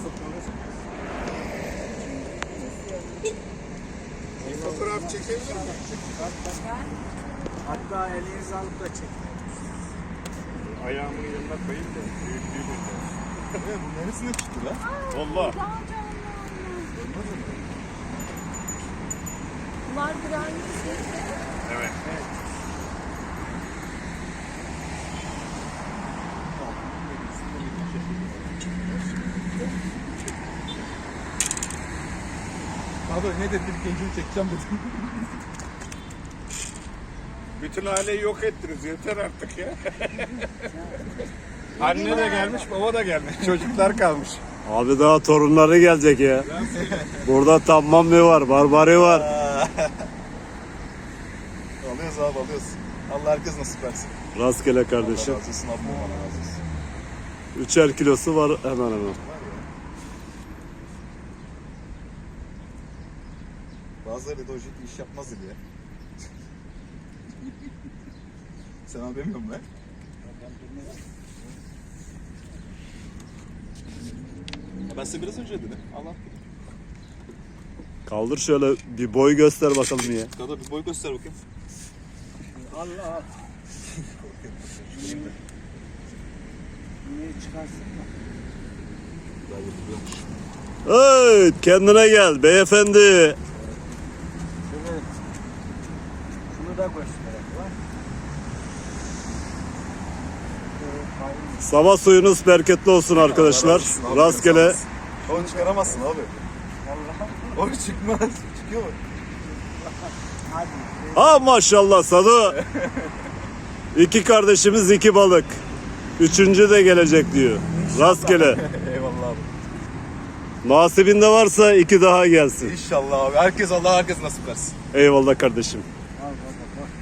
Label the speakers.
Speaker 1: Fotoğraf çekebilir miyim?
Speaker 2: Hatta elinizi alıp da çekin.
Speaker 1: Ayağımın yanına koyayım da büyüklüğü belli.
Speaker 3: Bu neresine çıktı lan?
Speaker 1: Valla.
Speaker 4: Bunlar birer yüz.
Speaker 1: Evet.
Speaker 3: Abi ne dedi bir gencini çekeceğim dedim.
Speaker 1: Bütün aileyi yok ettiniz. Yeter artık ya. Anne de gelmiş, baba da gelmiş. Çocuklar kalmış.
Speaker 5: Abi daha torunları gelecek ya. Burada Tammambi var, Barbari var.
Speaker 3: Alıyoruz abi alıyoruz. Allah herkes nasip versin.
Speaker 5: Rastgele
Speaker 3: Allah
Speaker 5: kardeşim.
Speaker 3: razı olsun abla bana razı olsun.
Speaker 5: 3'er kilosu var hemen hemen.
Speaker 3: Var ya. Bazıları da o şekilde iş yapmaz diye. Sen abi demiyor musun lan? Ben size biraz önce dedim. Allah.
Speaker 5: Kaldır şöyle bir boy göster bakalım ya.
Speaker 3: Dada bir boy göster bakayım.
Speaker 2: Allah. Niye çıkarsın?
Speaker 3: Daha yapılıyormuş.
Speaker 5: Evet, kendine gel beyefendi.
Speaker 2: Şunu da gösterelim. Var.
Speaker 5: Sabah suyunuz bereketli olsun arkadaşlar.
Speaker 3: Allah razı olsun abi,
Speaker 5: Rastgele.
Speaker 3: sağ olasın. Onu çıkaramazsın abi.
Speaker 2: Allah.
Speaker 3: O çıkmaz. Çıkıyor mu?
Speaker 2: Hadi.
Speaker 5: Ha maşallah Sadu. İki kardeşimiz iki balık. Üçüncü de gelecek diyor. Rastgele.
Speaker 3: Eyvallah abi.
Speaker 5: Nasibinde varsa iki daha gelsin.
Speaker 3: İnşallah abi. Herkes Allah herkes nasip versin.
Speaker 5: Eyvallah kardeşim.
Speaker 2: Al baba.